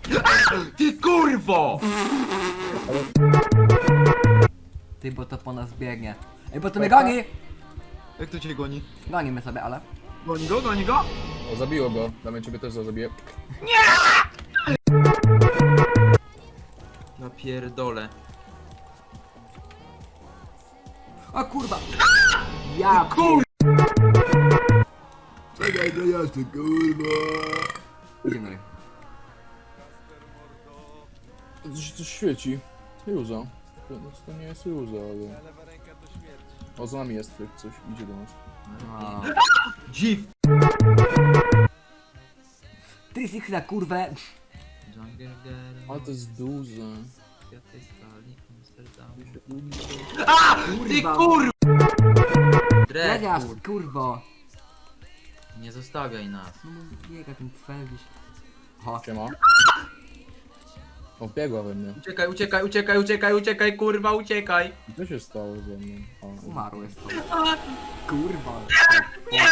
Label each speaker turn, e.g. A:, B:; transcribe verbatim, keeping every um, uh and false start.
A: Ty kurwo!
B: Ty, bo to po nas biegnie. Ej, bo to mnie goni!
A: Jak to cię goni?
B: Gonimy sobie, ale...
A: Goni go, goni go?
C: O, zabiło go. Damy ciebie też zabiję.
A: Ja pierdolę.
B: O kurwa! Ja
A: Kur...
B: Czekaj, to ja tu kurwa! Idziemy.
C: Coś, coś świeci. Juza. To, to nie jest Juza, ale... O, za nami jest coś, idzie do nas.
B: O.
A: Dziw!
B: Ty jesteś na kurwę!
C: Ale to jest duże.
A: A! Ty kur...
B: Lewiasz,
A: Dread,
B: kurwo!
A: nie zostawiaj nas.
B: No biega ten cfel gdzieś. O,
C: Siema. O, biegła we mnie.
A: Uciekaj, uciekaj, uciekaj, uciekaj, uciekaj, kurwa, uciekaj!
C: Co się stało ze mną? A,
B: umarł jest to. Kurwa.